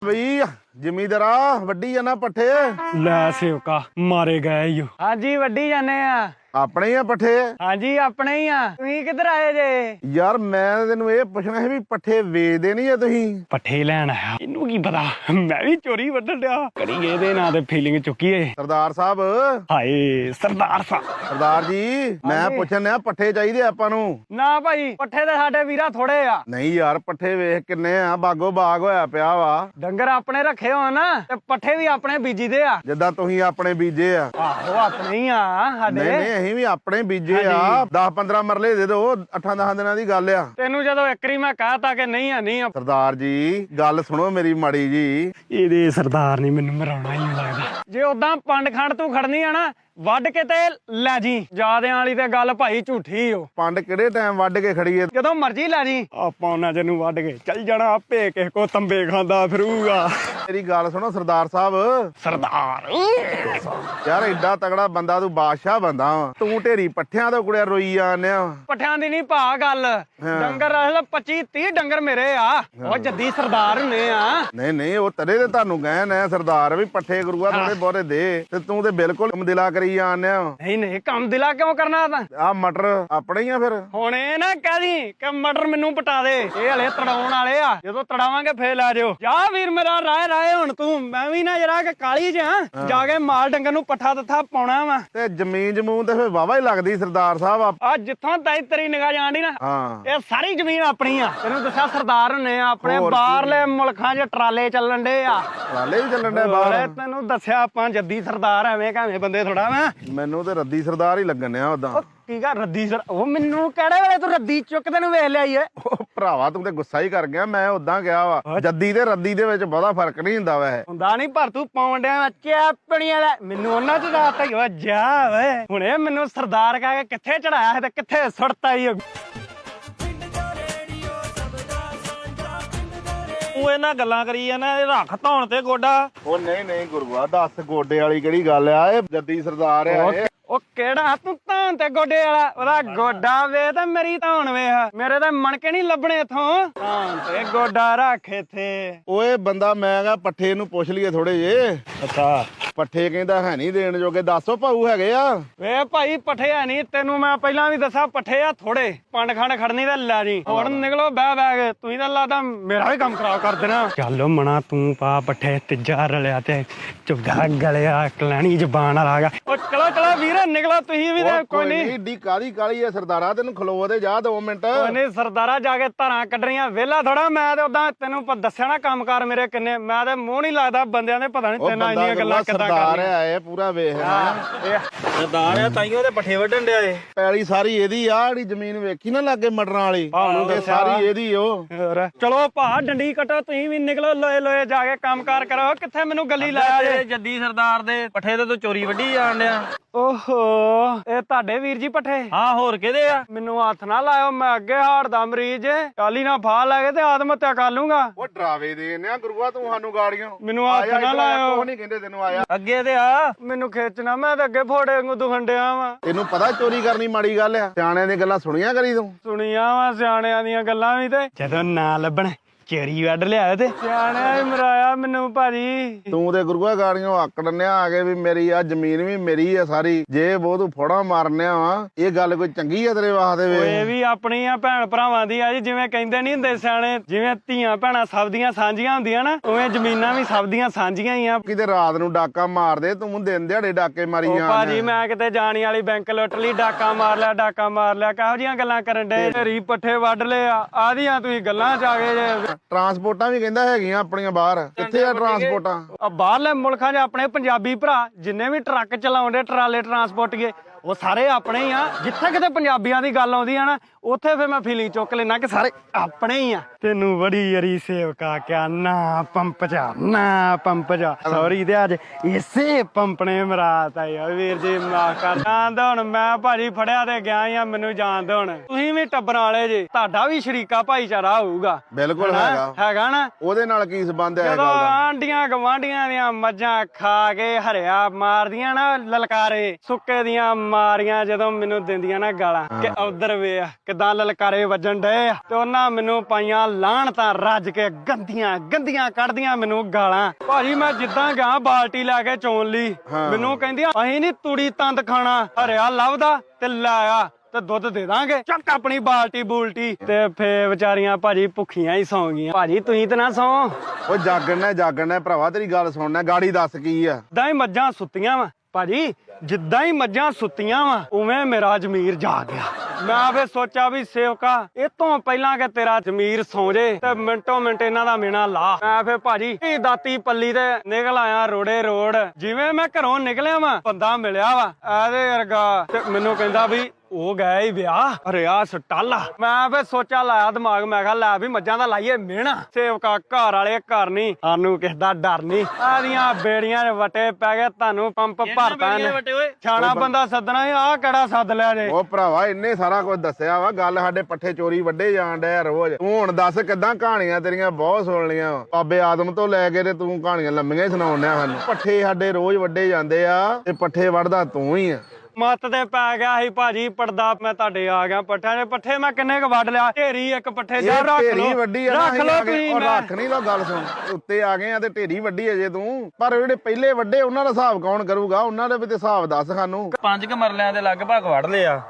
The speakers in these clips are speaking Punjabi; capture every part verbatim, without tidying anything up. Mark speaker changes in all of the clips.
Speaker 1: ਬਈ ਜ਼ਿਮੀਂਦਾਰਾ ਵੱਡੀ ਜਾਣਾ ਪੱਠੇ
Speaker 2: ਲੈ ਸੇਵਕਾ ਮਾਰੇ ਗਏ ਈ ਓ। ਹਾਂਜੀ ਵੱਡੀ ਜਾਨੇ ਆ।
Speaker 1: ਆਪਣੇ ਹੀ ਆ ਪੱਠੇ?
Speaker 2: ਹਾਂਜੀ ਆਪਣੇ ਹੀ ਆ। ਤੁਸੀਂ ਕਿੱਧਰ ਆਏ ਜੇ?
Speaker 1: ਯਾਰ ਮੈਂ ਤੈਨੂੰ ਇਹ ਪੁੱਛਣਾ ਸੀ ਵੀ ਪੱਠੇ ਵੇਚਦੇ ਨਹੀਂ ਆ ਤੁਸੀਂ?
Speaker 2: ਪੱਠੇ ਲੈਣ ਆਇਆ। ਇਹਨੂੰ ਕੀ ਪਤਾ ਮੈਂ ਵੀ ਚੋਰੀ ਵੱਢਣ ਡਿਆ। ਕਰੀ ਇਹਦੇ ਨਾਂ ਤੇ ਫੀਲਿੰਗ ਚੁੱਕੀ ਏ।
Speaker 1: ਸਰਦਾਰ ਸਾਹਿਬ।
Speaker 2: ਹਾਏ ਸਰਦਾਰ ਸਾਹਿਬ।
Speaker 1: ਸਰਦਾਰ ਜੀ ਮੈਂ ਪੁੱਛਣ ਆ ਪੱਠੇ ਚਾਹੀਦੇ ਆਪਾਂ ਨੂੰ?
Speaker 2: ਨਾ ਭਾਈ ਪੱਠੇ ਤੇ ਸਾਡੇ ਵੀਰਾ ਥੋੜੇ ਆ।
Speaker 1: ਨਹੀਂ ਯਾਰ ਪੱਠੇ ਵੇਖ ਕਿੰਨੇ ਆ, ਬਾਗੋ ਬਾਗ ਹੋਇਆ ਪਿਆ ਵਾ।
Speaker 2: ਡੰਗਰ ਆਪਣੇ ਰੱਖੇ ਹੋਣ ਨਾ ਤੇ ਪੱਠੇ ਵੀ ਆਪਣੇ ਬੀਜੀ ਦੇ ਆ।
Speaker 1: ਜਿੱਦਾਂ ਤੁਸੀਂ ਆਪਣੇ ਬੀਜੇ ਆ।
Speaker 2: ਆਹੋ ਆਪਣੇ ਹੀ ਆ ਸਾਡੇ।
Speaker 1: ਨਹੀਂ ਨਹੀਂ ਅਸੀਂ ਵੀ ਆਪਣੇ ਬੀਜੇ ਆ। ਦਸ ਪੰਦਰਾਂ ਮਰਲੇ ਦੇ ਦੋ, ਅੱਠਾਂ ਦਸਾਂ ਦਿਨਾਂ ਦੀ ਗੱਲ ਆ।
Speaker 2: ਤੈਨੂੰ ਜਦੋਂ ਇੱਕਰੀ ਮੈਂ ਕਹਤਾ ਕਿ ਨਹੀਂ ਆ ਨਹੀਂ ਆ।
Speaker 1: ਸਰਦਾਰ ਜੀ ਗੱਲ ਸੁਣੋ ਮੇਰੀ ਮਾੜੀ ਜੀ।
Speaker 2: ਇਹਦੇ ਸਰਦਾਰ ਨੇ ਮੈਨੂੰ ਮਰਾਉਣਾ ਹੀ ਲੱਗਦਾ। ਜੇ ਉਦਾਂ ਪੰਡ ਖੰਡ ਤੂੰ ਖੜਨੀ ਆ ਨਾ ਵੱਢ ਕੇ ਤੇ ਲੈ ਜੀ। ਜਾਦਿਆਂ ਵਾਲੀ ਤੇ ਗੱਲ ਭਾਈ ਝੂਠੀ ਓ।
Speaker 1: ਪੰਡ ਕਿਹੜੇ ਟਾਈਮ ਵੱਢ ਕੇ ਖੜੀਏ?
Speaker 2: ਜਦੋਂ ਮਰਜ਼ੀ ਲੈ ਜੀ। ਆਪਾਂ ਉਹਨਾਂ ਜਿਹਨੂੰ ਵੱਢ ਕੇ ਚੱਲ ਜਾਣਾ ਆਪੇ ਕਿਸੇ ਕੋ ਤੰਬੇ ਖਾਂਦਾ ਫਿਰੂਗਾ।
Speaker 1: ਮੇਰੀ ਗੱਲ ਸੁਣੋ ਸਰਦਾਰ ਸਾਹਿਬ।
Speaker 2: ਸਰਦਾਰ
Speaker 1: ਯਾਰ ਏਡਾ ਤਗੜਾ ਬੰਦਾ ਤੂੰ, ਬਾਦਸ਼ਾਹ ਬੰਦਾ ਵਾ, ਤੂੰ ਢੇਰੀ ਪੱਠਿਆਂ ਤੋਂ ਕੁੜਿਆ ਰੋਈ ਜਾਂਦੇ ਆ।
Speaker 2: ਪੱਠਿਆਂ ਦੀ ਨਹੀਂ ਭਾ ਗੱਲ। ਡੰਗਰ ਅਸਲ ਪੱਚੀ ਤੀਹ ਡੰਗਰ ਮੇਰੇ ਆ। ਉਹ ਜੱਦੀ ਸਰਦਾਰ ਹੁੰਨੇ ਆ।
Speaker 1: ਨਹੀਂ ਨਹੀਂ ਉਹ ਤੇਰੇ ਤੇ ਤੁਹਾਨੂੰ ਕਹਿਣ ਆ ਸਰਦਾਰ ਵੀ ਪੱਠੇ ਗੁਰੂਆ ਥੋੜੇ ਬਹੁਤੇ ਦੇ, ਤੇ ਤੂੰ ਤੇ ਬਿਲਕੁਲ ਦਿਲਾ ਕਰੀ ਜਾਂਦੇ ਆ।
Speaker 2: ਨਹੀਂ ਨਹੀਂ ਕੰਮ ਦਿਲਾ ਕਿਉਂ ਕਰਨਾ ਤਾਂ?
Speaker 1: ਆ ਮਟਰ ਆਪਣੇ ਹੀ ਆ ਫਿਰ?
Speaker 2: ਹੁਣ ਇਹ ਨਾ ਕਹਦੀ ਕਿ ਮਟਰ ਮੈਨੂੰ ਪਟਾ ਦੇ। ਇਹ ਹਲੇ ਤੜਾਉਣ ਵਾਲੇ ਆ। ਜਦੋਂ ਤੜਾਵਾਂਗੇ ਫੇਰ ਲੈ ਜਿਓ। ਜਾ ਵੀਰ ਮੇਰਾ ਰਾਏ ਰਾਏ ਹੁਣ ਤੂੰ। ਮੈਂ ਵੀ ਨਾ ਜਰਾ ਕਿ ਕਾਲੀ ਜਿਹਾ ਜਾ ਕੇ ਮਾਲ ਡੰਗਰ ਨੂੰ ਪੱਠਾ ਦੱਥਾ ਪਾਉਣਾ ਵਾ।
Speaker 1: ਤੇ ਜ਼ਮੀਨ ਜਮੂਨ ਤੇ ਫੇਰ ਵਾਵਾ ਹੀ ਲੱਗਦੀ ਸਰਦਾਰ ਸਾਹਿਬ।
Speaker 2: ਆ ਜਿੱਥੋਂ ਤਾਈ ਤੇਰੀ ਨਿਗਾਹ ਜਾਂਦੀ ਨਾ
Speaker 1: ਹਾਂ
Speaker 2: ਇਹ ਸਾਰੀ ਜ਼ਮੀਨ ਆਪਣੀ ਆ। ਤੈਨੂੰ ਦੱਸਿਆ ਸਰਦਾਰ ਹੁੰਨੇ ਆ। ਆਪਣੇ ਬਾਹਰਲੇ ਮੁਲਕਾਂ 'ਚ ਟਰਾਲੇ ਚੱਲਣ ਡੇ ਆ।
Speaker 1: ਟਰਾਲੇ ਵੀ ਚੱਲਣ ਡੇ ਬਾਹਰ?
Speaker 2: ਤੈਨੂੰ ਦੱਸਿਆ ਆਪਾਂ ਜੱਦੀ ਸਰਦਾਰ ਐਵੇਂ ਕਾਵੇਂ ਬੰਦੇ ਥੋੜਾ ਵਾ।
Speaker 1: ਮੈਨੂੰ ਤੇ ਰੱਦੀ ਸਰਦਾਰ ਹੀ ਲੱਗਣ ਆ ਉਦਾਂ।
Speaker 2: ਕੀ ਕਰ ਰੱਦੀ ਸਰ? ਉਹ ਮੈਨੂੰ ਕਿਹੜੇ ਵੇਲੇ ਤੂੰ ਰੱਦੀ ਚੁੱਕ ਤੈਨੂੰ ਵੇਖ ਲਿਆ ਈ ਏ।
Speaker 1: ਉਹ ਭਰਾਵਾ ਤੂੰ ਤੇ ਗੁੱਸਾ ਹੀ ਕਰ ਗਿਆ। ਮੈਂ ਉਦਾਂ ਗਿਆ ਵਾ ਜੱਦੀ ਤੇ ਰੱਦੀ ਦੇ ਵਿੱਚ ਬਹੁਤਾ ਫਰਕ ਨਹੀਂ ਹੁੰਦਾ ਵੈਸੇ।
Speaker 2: ਹੁੰਦਾ ਨਹੀਂ ਪਰ ਤੂੰ ਪਾਉਣ ਡਿਆ ਚੈਪਣੀਆਂ ਲੈ ਮੈਨੂੰ ਉਹਨਾਂ ਚ ਰਾਤ ਹੀ ਜਾ ਓਏ। ਹੁਣੇ ਮੈਨੂੰ ਸਰਦਾਰ ਕਹਿ ਕੇ ਕਿੱਥੇ ਚੜਾਇਆ ਤੇ ਕਿੱਥੇ ਸੁੱਟਤਾ ਈ।
Speaker 3: ਉਹ ਇਹਨਾਂ ਗੱਲਾਂ ਕਰੀ ਜਾਂਦਾ ਇਹ ਰੱਖ ਧੌਣ ਤੇ ਗੋਡਾ।
Speaker 1: ਉਹ ਨਹੀਂ ਨਹੀਂ ਗੁਰੂਆ ਦੱਸ ਗੋਡੇ ਵਾਲੀ ਕਿਹੜੀ ਗੱਲ ਆ? ਇਹ ਜੱਦੀ ਸਰਦਾਰ ਆ ਇਹ।
Speaker 2: ਉਹ ਕਿਹੜਾ ਤੂੰ ਧੌਣ ਤੇ ਗੋਡੇ ਵਾਲਾ? ਉਹਦਾ ਗੋਡਾ ਵੇ ਤੇ ਮੇਰੀ ਧੌਣ ਵੇਖ। ਮੇਰੇ ਤਾਂ ਮਣਕੇ ਨਹੀਂ ਲੱਭਣੇ ਇਥੋਂ। ਧੌਣ ਤੇ ਗੋਡਾ ਰੱਖ ਇੱਥੇ।
Speaker 1: ਓਏ ਬੰਦਾ ਮੈਂ ਕਿਹਾ ਪੱਠੇ ਨੂੰ ਪੁੱਛ ਲਈਏ ਥੋੜੇ ਜੇ।
Speaker 2: ਅੱਛਾ
Speaker 1: ਪੱਠੇ ਕਹਿੰਦਾ ਹੈ ਨਹੀਂ ਦੇਣ ਜੋਗੇ। ਦੱਸੋ ਭਾਊ ਹੈਗੇ ਆ?
Speaker 2: ਵੇ ਭਾਈ ਪੱਠੇ ਹੈ ਨਹੀਂ। ਤੈਨੂੰ ਮੈਂ ਪਹਿਲਾਂ ਵੀ ਦੱਸਾਂ ਪੱਠੇ ਆ ਥੋੜੇ। ਪੰਡ ਖੰਡ ਖੜਨੀ ਤੇ ਲੈ ਜੀ। ਹੁਣ ਨਿਕਲੋ ਬਹਿ ਬਹਿ ਕੇ। ਤੁਸੀਂ ਤਾਂ ਲੱਗਦਾ ਮੇਰਾ ਵੀ ਕੰਮ ਖਰਾਬ ਕਰ ਦੇਣਾ। ਚੱਲ ਮਣਾ ਤੂੰ ਪਾ ਪੱਠੇ ਤੀਜਾ ਰਲਿਆ ਤੇ ਚੁੱਗਾ ਗਲਿਆ ਕਲੈਣੀ ਜ਼ਬਾਨ ਵਾਲਾ ਆ ਗਿਆ। ਉਹ ਚਲੋ ਚਲੋ ਵੀਰ ਨਿਕਲੋ ਤੁਸੀਂ ਵੀ। ਤੇ ਕੋਈ ਨਹੀਂ
Speaker 1: ਏਡੀ ਕਾਲੀ ਕਾਲੀ ਐ ਸਰਦਾਰਾ। ਤੈਨੂੰ ਖਲੋ ਤੇ ਜਾ ਦੋ ਮਿੰਟ।
Speaker 2: ਕੋਈ ਨਹੀਂ ਸਰਦਾਰਾ ਜਾ ਕੇ ਧਾਰਾਂ ਕੱਢਣੀਆਂ ਵਿਹਲਾ ਥੋੜਾ। ਮੈਂ ਤੇ ਉਦਾਂ ਤੈਨੂੰ ਦੱਸਿਆ ਨਾ ਕੰਮਕਾਰ ਮੇਰੇ ਕਿੰਨੇ। ਮੈਂ ਤੇ ਮੂੰਹ ਨਹੀਂ ਲੱਗਦਾ ਬੰਦਿਆਂ ਦੇ। ਪਤਾ ਨਹੀਂ ਤੈਨਾਂ ਇੰਨੀਆਂ ਗੱਲਾਂ ਕਿੱਦਾਂ
Speaker 1: ਸਰਦਾਰ ਆ ਇਹ ਪੂਰਾ ਵੇਖ।
Speaker 3: ਸਰਦਾਰ ਆ ਤਾਈਓ ਤੇ ਪੱਠੇ ਵੱਢਣ ਡਿਆ ਏ।
Speaker 1: ਪੈਲੀ ਸਾਰੀ ਇਹਦੀ ਆ। ਜਿਹੜੀ ਜ਼ਮੀਨ ਵੇਖੀ ਨਾ ਲਾਗੇ ਮਟਰਾਂ ਵਾਲੀ ਇਹ ਸਾਰੀ ਇਹਦੀ। ਉਹ
Speaker 2: ਚਲੋ ਭਾ ਡੰਡੀ ਕੱਟੋ ਤੁਸੀਂ ਵੀ ਨਿਕਲੋ। ਲੋਏ ਲੋਏ ਜਾ ਕੇ ਕੰਮਕਾਰ ਕਰੋ। ਕਿੱਥੇ ਮੈਨੂੰ ਗੱਲੀ ਲਾਇਆ ਜੇ?
Speaker 3: ਜੱਦੀ ਸਰਦਾਰ ਦੇ ਪੱਠੇ ਤੇ ਤੂੰ ਚੋਰੀ ਵੱਢੀ ਜਾਣ ਡਿਆ।
Speaker 2: ਓਹੋ ਇਹ ਤੁਹਾਡੇ ਵੀਰ ਜੀ ਪੱਠੇ?
Speaker 3: ਹਾਂ ਹੋਰ ਕਿਹਦੇ ਆ?
Speaker 2: ਮੈਨੂੰ ਹੱਥ ਨਾ ਲਾਇਓ। ਮੈਂ ਅੱਗੇ ਹਾਰਟ ਦਾ ਮਰੀਜ਼ ਏ। ਕਾਲੀ ਨਾ ਫਾਹ ਲੈ ਕੇ ਤੇ ਆਤਮ ਹੱਤਿਆ ਕਰ ਲੂੰਗਾ।
Speaker 1: ਉਹ ਡਰਾਵੇ ਦੇਨੇ ਆ ਗੁਰੂਆ ਤੂੰ ਸਾਨੂੰ ਗਾੜੀਆਂ।
Speaker 2: ਮੈਨੂੰ ਹੱਥ ਨਾ ਲਾਇਓ।
Speaker 1: ਕੋਈ ਨਹੀਂ ਕਹਿੰਦੇ ਤੈਨੂੰ ਆਇਆ
Speaker 3: ਅੱਗੇ ਤੇ ਆ।
Speaker 2: ਮੈਨੂੰ ਖੇਚਣਾ। ਮੈਂ ਤਾਂ ਅੱਗੇ ਫੋੜੇ ਵਾਂਗੂ ਦੁਖਣ ਡਿਆ ਵਾਂ।
Speaker 1: ਤੈਨੂੰ ਪਤਾ ਚੋਰੀ ਕਰਨੀ ਮਾੜੀ ਗੱਲ ਆ? ਸਿਆਣਿਆਂ ਦੀਆਂ ਗੱਲਾਂ ਸੁਣੀਆਂ ਕਰੀ ਤੂੰ?
Speaker 2: ਸੁਣੀਆਂ ਵਾ ਸਿਆਣਿਆਂ ਦੀਆਂ ਗੱਲਾਂ ਵੀ। ਤੇ ਜਦੋਂ ਨਾ ਲੱਭਣ ਚੋਰੀ ਵੱਢ ਲਿਆ ਤੇ ਸਿਆਣਿਆਂ ਹੀ ਮਰਾਇਆ ਮੈਨੂੰ ਭਾਜੀ।
Speaker 1: ਤੂੰ ਤੇ ਗੁਰੂਆ ਗਾੜੀਆਂ ਆਕੜਨਿਆ ਆ ਕੇ ਵੀ ਮੇਰੀ ਆ ਜ਼ਮੀਨ ਵੀ ਮੇਰੀ ਆ ਸਾਰੀ। ਜੇ ਬਹੁਤ ਤੂੰ ਫੋੜਾ ਮਾਰਨਿਆ ਵਾ ਇਹ ਗੱਲ ਕੋਈ ਚੰਗੀ ਆ ਤੇਰੇ ਵਾਸਤੇ? ਵੇ
Speaker 2: ਇਹ ਵੀ ਆਪਣੀ ਆ ਭੈਣ ਭਰਾਵਾਂ ਦੀ ਆ ਜੀ। ਜਿਵੇਂ ਕਹਿੰਦੇ ਨਹੀਂ ਹੁੰਦੇ ਸਿਆਣੇ ਜਿਵੇਂ ਧੀਆਂ ਭੈਣਾਂ ਸਭ ਦੀਆਂ ਸਾਂਝੀਆਂ ਹੁੰਦੀਆਂ ਨਾ ਉਵੇਂ ਜ਼ਮੀਨਾਂ ਵੀ ਸਭ ਦੀਆਂ ਸਾਂਝੀਆਂ ਹੀ ਆ।
Speaker 1: ਕਿਤੇ ਰਾਤ ਨੂੰ ਡਾਕਾ ਮਾਰਦੇ ਤੂੰ ਦਿਨ ਦਿਹਾੜੇ ਡਾਕੇ ਮਾਰੀ
Speaker 2: ਉਹ
Speaker 1: ਜਾਂਦਾ।
Speaker 2: ਭਾਜੀ ਮੈਂ ਕਿਤੇ ਜਾਣੀ ਵਾਲੀ ਬੈਂਕ ਲੁੱਟ ਲਈ ਡਾਕਾ ਮਾਰ ਲਿਆ ਡਾਕਾ ਮਾਰ ਲਿਆ। ਕਿਹੋ ਜਿਹੀਆਂ ਗੱਲਾਂ ਕਰਨ ਡੇ? ਢੇਰੀ ਪੱਠੇ ਵੱਢ ਲਏ ਆ ਆਦੀਆਂ ਤੁਸੀਂ ਗੱਲਾਂ ਚ ਆ ਗਏ ਜੇ।
Speaker 1: ਟਰਾਂਸਪੋਰਟਾਂ ਵੀ ਕਹਿੰਦਾ ਹੈਗੀਆਂ ਆਪਣੀਆਂ ਬਾਹਰ। ਕਿੱਥੇ ਆ ਟਰਾਂਸਪੋਰਟਾਂ?
Speaker 2: ਆ ਬਾਹਰਲੇ ਮੁਲਕਾਂ 'ਚ ਆਪਣੇ ਪੰਜਾਬੀ ਭਰਾ ਜਿੰਨੇ ਵੀ ਟਰੱਕ ਚਲਾਉਂਦੇ ਟਰਾਲੇ ਟਰਾਂਸਪੋਰਟੀਏ ਉਹ ਸਾਰੇ ਆਪਣੇ ਹੀ ਆ। ਜਿੱਥੇ ਕਿਤੇ ਪੰਜਾਬੀਆਂ ਦੀ ਗੱਲ ਆਉਂਦੀ ਆ ਨਾ ਉੱਥੇ ਫਿਰ ਮੈਂ ਫੀਲਿੰਗ ਚੁੱਕ ਲੈਣਾ ਕਿ ਸਾਰੇ ਆਪਣੇ ਹੀ ਆ। ਤੈਨੂੰ ਬੜੀ ਯਰੀ ਸੇਵਕਾ ਕਿਆ ਨਾ ਪੰਪ ਜਾ ਨਾ ਪੰਪ ਜਾ। ਸੌਰੀ ਤੇ ਅੱਜ ਇਸੇ ਪੰਪ ਨੇ ਮਰਾਤ ਆਈ ਆ ਵੀਰ ਜੀ। ਮਾਫ ਕਰ ਜਾਣਦੇ ਹੁਣ ਮੈਂ ਭਾਜੀ ਫੜਿਆ ਤੇ ਗਿਆ ਹੀ ਆ। ਮੈਨੂੰ ਜਾਣਦੇ ਹੁਣ ਤੁਸੀਂ ਵੀ ਟੱਬਰਾਂ ਵਾਲੇ ਜੇ। ਤੁਹਾਡਾ ਵੀ ਸ਼ਰੀਕਾ ਭਾਈਚਾਰਾ ਹੋਊਗਾ।
Speaker 1: ਬਿਲਕੁਲ ਹੈਗਾ
Speaker 2: ਹੈਗਾ ਨਾ।
Speaker 1: ਉਹਦੇ ਨਾਲ ਕੀ ਸੰਬੰਧ ਹੈ?
Speaker 2: ਜਦੋਂ ਆਂਡੀਆਂ ਗਵਾਂਡੀਆਂ ਦੀਆਂ ਮੱਝਾਂ ਖਾ ਕੇ ਹਰਿਆ ਮਾਰਦੀਆਂ ਨਾ ਲਲਕਾਰੇ ਸੁੱਕੇ ਦੀਆਂ ਮਾਰੀਆਂ ਜਦੋਂ ਮੈਨੂੰ ਦਿੰਦੀਆਂ ਨਾ ਗਾਲਾਂ ਕਿ ਉਧਰ ਵੇ ਕਿਦਾਂ ਲਲਕਾਰੇ ਵੱਜਣ ਡਏ ਆ ਤੇ ਉਹਨਾਂ ਮੈਨੂੰ ਪਾਈਆਂ ਲਾਹਣ ਤਾਂ ਰੱਜ ਕੇ ਗੰਦੀਆਂ ਗੰਦੀਆਂ ਕੱਢਦੀਆਂ ਮੈਨੂੰ ਗਾਲਾਂ। ਭਾਜੀ ਮੈਂ ਜਿੱਦਾਂ ਗਿਆ ਬਾਲਟੀ ਲੈ ਕੇ ਚੋਣ ਲਈ, ਮੈਨੂੰ ਕਹਿੰਦੀਆਂ ਅਸੀਂ ਨੀ ਤੂੜੀ ਤੰਦ ਖਾਣਾ, ਹਰਿਆ ਲੱਭਦਾ ਤੇ ਲਾਇਆ ਤੇ ਦੁੱਧ ਦੇ ਦਾਂਗੇ, ਚੱਕ ਆਪਣੀ ਬਾਲਟੀ ਬੂਲਟੀ। ਤੇ ਫੇ ਵਿਚਾਰੀਆਂ ਭਾਜੀ ਭੁੱਖੀਆਂ ਹੀ ਸੌਂ ਗਈਆਂ। ਭਾਜੀ ਤੁਸੀਂ ਤੇ ਨਾ ਸੌ,
Speaker 1: ਉਹ ਜਾਗਣਾ ਜਾਗਣਾ ਭਰਾਵਾ, ਤੇਰੀ ਗੱਲ ਸੁਣਨਾ, ਗਾੜੀ ਦੱਸ ਕੀ ਆ।
Speaker 2: ਜਿੱਦਾਂ ਹੀ ਮੱਝਾਂ ਸੁੱਤੀਆਂ ਵਾ ਭਾਜੀ, ਜਿੱਦਾਂ ਹੀ ਮੱਝਾਂ ਸੁੱਤੀਆਂ ਵਾ ਉਵੇਂ ਮੇਰਾ ਜ਼ਮੀਰ ਜਾਗ ਗਿਆ। ਮੈਂ ਫੇ ਸੋਚਿਆ ਵੀ ਸੇਵਕਾ ਇਹ ਤੋਂ ਪਹਿਲਾਂ ਕਿ ਤੇਰਾ ਜ਼ਮੀਰ ਸੌਂ ਜੇ ਤੇ ਮਿੰਟੋ ਮਿੰਟ ਇਹਨਾਂ ਦਾ ਮੇਣਾ ਲਾ। ਮੈਂ ਫੇ ਭਾਜੀ ਇਹ ਦਾਤੀ ਪੱਲੀ ਤੇ ਨਿਕਲ ਆਇਆ ਰੋੜੇ ਰੋੜ। ਜਿਵੇਂ ਮੈਂ ਘਰੋਂ ਨਿਕਲਿਆ ਵਾ ਬੰਦਾ ਮਿਲਿਆ ਵਾ ਇਹਦੇ ਵਰਗਾ ਤੇ ਮੈਨੂੰ ਕਹਿੰਦਾ ਵੀ ਉਹ ਗਏ ਹੀ ਵਿਆਹ, ਅਰੇ ਆ ਸਟਾਲਾ। ਮੈਂ ਫੇ ਸੋਚਿਆ ਲਾਇਆ ਦਿਮਾਗ, ਮੈਂ ਕਿਹਾ ਲੈ ਵੀ ਮੱਝਾਂ ਦਾ ਲਾਈਏ ਮਿਹਣਾ। ਸੇਵਕਾ ਘਰ ਵਾਲੇ ਘਰ ਨਹੀਂ, ਸਾਨੂੰ ਕਿਸੇ ਦਾ ਡਰ ਨਹੀਂ। ਆਦੀਆਂ ਬੇੜੀਆਂ ਦੇ ਵਟੇ ਪੈ ਗਏ, ਤੁਹਾਨੂੰ ਪੰਪ ਭਰਤਾ ਨੇ। ਛਾਣਾ ਬੰਦਾ ਸੱਦਣਾ ਸੀ, ਆਹ ਕਿਹੜਾ ਸੱਦ ਲਿਆ ਜੇ।
Speaker 1: ਉਹ ਭਰਾਵਾ ਇੰਨੇ ਸਾਰਾ ਕੁਝ ਦੱਸਿਆ ਵਾ, ਗੱਲ ਸਾਡੇ ਪੱਠੇ ਚੋਰੀ ਵੱਡੇ ਜਾਣ ਡਿਆ ਰੋਜ਼। ਤੂੰ ਹੁਣ ਦੱਸ ਕਿੱਦਾਂ, ਕਹਾਣੀਆਂ ਤੇਰੀਆਂ ਬਹੁਤ ਸੁਣ ਲੀਆਂ ਬਾਬੇ ਆਦਮ ਤੋਂ ਲੈ ਕੇ ਤੇ ਤੂੰ ਕਹਾਣੀਆਂ ਲੰਮੀਆਂ ਹੀ ਸੁਣਾਉਣ ਡਿਆ ਸਾਨੂੰ। ਪੱਠੇ ਸਾਡੇ ਰੋਜ਼ ਵੱਡੇ ਜਾਂਦੇ ਆ ਤੇ ਪੱਠੇ ਵੜਦਾ ਤੂੰ ਹੀ ਆ।
Speaker 2: ਮੱਤ ਤੇ ਪੈ ਗਿਆ ਸੀ ਭਾਜੀ ਪੜਦਾ, ਮੈਂ ਤੁਹਾਡੇ ਆ ਗਿਆ ਪੱਠਿਆਂ ਦੇ। ਪੱਠੇ ਮੈਂ ਕਿੰਨੇ ਕ ਵੱਢ ਲਿਆ, ਢੇਰੀ ਇੱਕ ਪੱਠੇ ਜਾ ਰੱਖ ਲੋ,
Speaker 1: ਢੇਰੀ ਵੱਡੀ ਆ ਨਾ,
Speaker 2: ਰੱਖ ਲੋ ਤੁਸੀਂ।
Speaker 1: ਉਹ ਰੱਖ ਨਹੀਂ ਲੋ, ਗੱਲ ਸੁਣ, ਉੱਤੇ ਆ ਗਏ ਆ ਤੇ ਢੇਰੀ ਵੱਡੀ ਅਜੇ ਤੂੰ। ਪਰ ਜਿਹੜੇ ਪਹਿਲੇ ਵੱਡੇ ਉਹਨਾਂ ਦਾ ਹਿਸਾਬ ਕੌਣ ਕਰੂਗਾ, ਉਹਨਾਂ ਦੇ ਵੀ ਤੇ ਹਿਸਾਬ ਦੱਸ ਸਾਨੂੰ।
Speaker 3: ਪੰਜ ਕ ਮਰਲਿਆਂ ਦੇ ਲਗਭਗ ਵੜ ਲਿਆ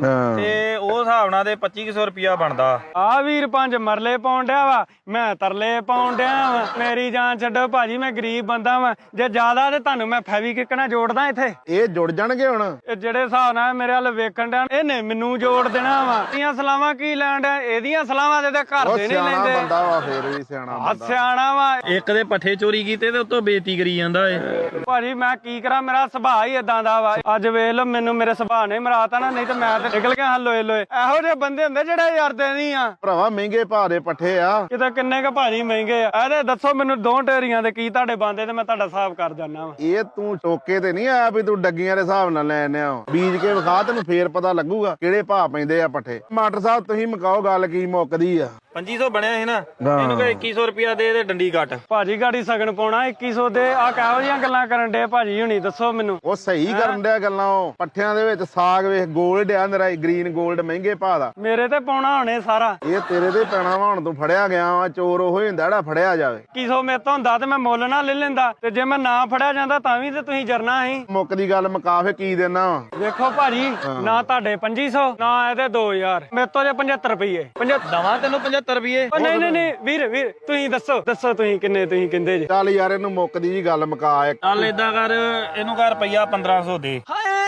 Speaker 3: ਤੇ ਉਹ ਹਿਸਾਬ ਨਾਲ ਦੇ ਪੱਚੀ ਸੌ ਰੁਪਿਆ ਬਣਦਾ।
Speaker 2: ਆ ਵੀਰ ਪੰਜ ਮਰਲੇ ਪਾਉਣ ਡਿਆ ਵਾ, ਮੈਂ ਤਰਲੇ ਪਾਉਣ ਡਿਆ ਵਾ। ਮੇਰੀ ਜਾਨ ਛੱਡੋ ਭਾਜੀ, ਮੈਂ ਗਰੀਬ ਬੰਦਾ ਵਾ। ਜੇ ਜ਼ਿਆਦਾ ਤੇ ਤੁਹਾਨੂੰ ਮੈਂ ਫੈਵੀਕਿਕ ਨਾਲ ਜੋੜਦਾ ਇੱਥੇ।
Speaker 1: ਇਹ ਜੁੜ ਜਾਣਗੇ ਹੁਣ।
Speaker 2: ਇਹ ਜਿਹੜੇ ਹਿਸਾਬ ਨਾਲ ਮੇਰੇ ਵੱਲ ਵੇਖਣ ਡਿਆ ਇਹਨੇ ਮੈਨੂੰ ਜੋੜ ਦੇਣਾ ਵਾ। ਇਹਦੀਆਂ ਸਲਾਵਾਂ ਕੀ ਲੈਣ ਡਿਆ, ਇਹਦੀਆਂ ਸਲਾਵਾਂ ਦੇ ਤੇ ਘਰ ਦੇ ਨਹੀਂ ਲੈਂਦੇ।
Speaker 1: ਬੰਦਾ ਵਾ ਫੇਰ ਵੀ ਸਿਆਣਾ
Speaker 2: ਆ
Speaker 1: ਬੰਦਾ।
Speaker 2: ਸਿਆਣਾ ਵਾ।
Speaker 3: ਇੱਕ ਦੇ ਪੱਠੇ ਚੋਰੀ ਕੀਤੇ ਤੇ ਉਤੋਂ ਬੇਇੱਜ਼ਤੀ ਕਰੀ ਜਾਂਦਾ ਏ।
Speaker 2: ਭਾਜੀ ਮੈਂ ਕੀ ਕਰਾਂ, ਮੇਰਾ ਸੁਭਾਅ ਹੀ ਇਦਾਂ ਦਾ ਵਾ। ਅੱਜ ਵੇਖ ਲਓ ਮੈਨੂੰ ਮੇਰੇ ਸੁਭਾਅ ਨੇ ਮਰਾਤਾ ਨਾ, ਨਹੀਂ ਤੇ ਮੈਂ ਤੇ ਨਿਕਲ ਗਿਆ ਲੋਏ ਲੋਏ। ਇਹੋ ਜਿਹੇ ਬੰਦੇ ਹੁੰਦੇ ਜਿਹੜੇ ਯਾਰਦੇ ਨਹੀਂ ਆ।
Speaker 1: ਭਰਾਵਾ ਮਹਿੰਗੇ ਭਾਅ ਦੇ ਪੱਠੇ ਆ
Speaker 2: ਕਿਤੇ ਕਿੰਨੇ ਕ ਭਾਜੀ ਮਹਿੰਗੇ ਆ। ਇਹਦੇ ਦੱਸੋ ਮੈਨੂੰ ਦੋ ਢੇਰੀਆਂ ਦੇ ਕੀ ਤੁਹਾਡੇ ਬੰਦੇ ਤੇ ਮੈਂ ਤੁਹਾਡਾ ਹਿਸਾਬ ਕਰ ਜਾਣਾ ਵਾ।
Speaker 1: ਇਹ ਤੂੰ ਟੋਕੇ ਤੇ ਨਹੀਂ ਆਇਆ ਵੀ ਤੂੰ ਡੱਗੀਆਂ ਦੇ ਹਿਸਾਬ ਨਾਲ ਲੈਣੇ ਆ। ਬੀਜ ਕੇ ਵਿਖਾ, ਤੈਨੂੰ ਫੇਰ ਪਤਾ ਲੱਗੂਗਾ ਕਿਹੜੇ ਭਾਅ ਪੈਂਦੇ ਆ ਪੱਠੇ। ਮਾਸਟਰ ਸਾਹਿਬ ਤੁਸੀਂ ਮੁਕਾਓ ਗੱਲ, ਕੀ ਮੁੱਕਦੀ ਆ।
Speaker 3: ਪੰਜੀ ਸੌ ਬਣਿਆ ਸੀ ਨਾ, ਇਹਨੂੰ ਕਹੇ ਇੱਕੀ ਸੌ ਰੁਪਿਆ ਦੇ ਤੇ ਡੰਡੀ ਕੱਟ।
Speaker 2: ਭਾਜੀ ਗਾੜੀ ਸਗਨ ਪਾਉਣਾ ਇੱਕੀ ਸੌ ਦੇ। ਆ ਕਿਹੋ ਜਿਹੀਆਂ ਗੱਲਾਂ ਕਰਨ ਡੇ ਭਾਜੀ ਹੁਣੀ, ਦੱਸੋ ਮੈਨੂੰ।
Speaker 1: ਉਹ ਸਹੀ ਕਰਨ ਡਿਆ ਗੱਲਾਂ। ਉਹ ਪੱਠਿਆਂ ਦੇ ਵਿੱਚ ਸਾਗ ਵੇਖ, ਗੋਲਡ ਆ ਨਰਾ, ਗ੍ਰੀਨ ਗੋਲਡ ਮਹਿੰਗੇ ਭਾਅ ਦਾ।
Speaker 2: ਮੇਰੇ ਤੇ ਪਾਉਣਾ ਹੁਣੇ ਸਾਰਾ।
Speaker 1: ਇਹ ਤੇਰੇ ਤੇ ਪੈਣਾ ਵਾ, ਹੁਣ ਤੂੰ ਫੜਿਆ ਗਿਆ ਵਾ। ਚੋਰ ਉਹ ਹੀ ਹੁੰਦਾ ਜਿਹੜਾ ਫੜਿਆ ਜਾਵੇ।
Speaker 2: ਇੱਕੀ ਸੌ ਮੇਰੇ ਤੋਂ ਹੁੰਦਾ ਤੇ ਮੈਂ ਮੁੱਲ ਨਾ ਲੈ ਲੈਂਦਾ, ਤੇ ਜੇ ਮੈਂ ਨਾ ਫੜਿਆ ਜਾਂਦਾ ਤਾਂ ਵੀ ਤੇ ਤੁਸੀਂ ਜਰਨਾ ਸੀ।
Speaker 1: ਮੁੱਕਦੀ ਗੱਲ ਮੁਕਾ ਫੇ ਕੀ ਦੇਣਾ ਵਾ।
Speaker 2: ਵੇਖੋ ਭਾਜੀ, ਨਾ ਤੁਹਾਡੇ ਪੰਜੀ ਸੌ ਨਾ ਇਹਦੇ ਦੋ ਹਜ਼ਾਰ, ਮੇਰੇ ਤੋਂ ਜੇ ਪਝੱਤਰ ਰੁਪਈਏ।
Speaker 3: ਦਵਾਂ ਤੈਨੂੰ ਪਝੱਤਰ ਰੁਪਏ।
Speaker 2: ਨਹੀਂ ਨਹੀਂ ਨਹੀਂ ਵੀਰ ਵੀਰ ਤੁਸੀਂ ਦੱਸੋ ਦੱਸੋ ਤੁਸੀਂ ਕਿੰਨੇ ਤੁਸੀਂ ਕਹਿੰਦੇ ਜੇ।
Speaker 1: ਚੱਲ ਯਾਰ ਇਹਨੂੰ ਮੁੱਕਦੀ ਜੀ ਗੱਲ ਮੁਕਾ ਇੱਕ।
Speaker 3: ਚੱਲ ਏਦਾਂ ਕਰ, ਇਹਨੂੰ ਕਰ ਰੁਪਈਆ ਪੰਦਰਾਂ ਸੌ ਦੇ।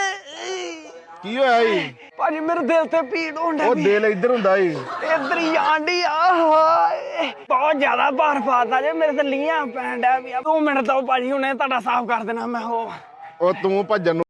Speaker 1: ਕੀ ਹੋਇਆ ਜੀ?
Speaker 2: ਭਾਜੀ ਮੇਰੇ ਦਿਲ ਤੇ ਪੀੜ ਹੋਣ
Speaker 1: ਉਹ ਦਿਲ ਇੱਧਰ ਹੁੰਦਾ ਈ।
Speaker 2: ਇਧਰ ਹੀ ਆਂਡੀ ਆ। ਹਾਏ ਬਹੁਤ ਜ਼ਿਆਦਾ ਭਾਰ ਪਾਤਾ ਜੇ ਮੇਰੇ ਤੇ ਲੀਆਂ ਪੈਣ ਡਿਆ ਵੀ। ਦੋ ਮਿੰਟ ਤੋਂ ਭਾਜੀ ਹੁਣੇ ਤੁਹਾਡਾ ਸਾਫ਼ ਕਰ ਦੇਣਾ ਮੈਂ। ਉਹ
Speaker 1: ਉਹ ਤੂੰ ਭੱਜਣ ਨੂੰ